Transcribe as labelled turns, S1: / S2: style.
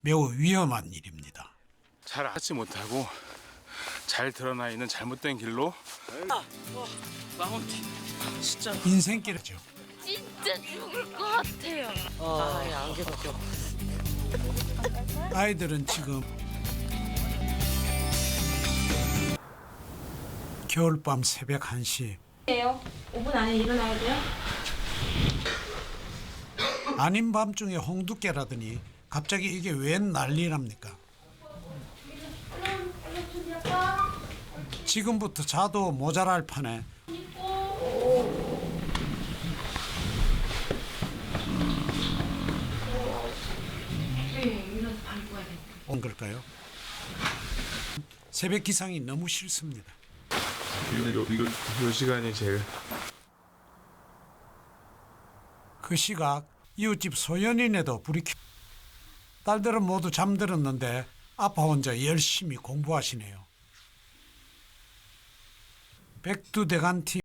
S1: 매우 위험한 일입니다.
S2: 잘 하지 못하고 잘 드러나 있는 잘못된 길로
S3: 마운틴 진짜
S1: 인생길이죠.
S4: 진짜 죽을 것 같아요.
S3: 안개 벗겨.
S1: 아이들은 지금 겨울밤 새벽 1시
S5: 5분 안에 일어나야 돼요?
S1: 아닌 밤중에 홍두깨라더니 갑자기 이게 웬 난리랍니까? 지금부터 자도 모자랄 판에 온 걸까요? 새벽 기상이 너무 싫습니다.
S2: 요 시간이 제일
S1: 그 시각 이웃집 소연이네도 불이 켜. 딸들은 모두 잠들었는데 아빠 혼자 열심히 공부하시네요. 백두대간티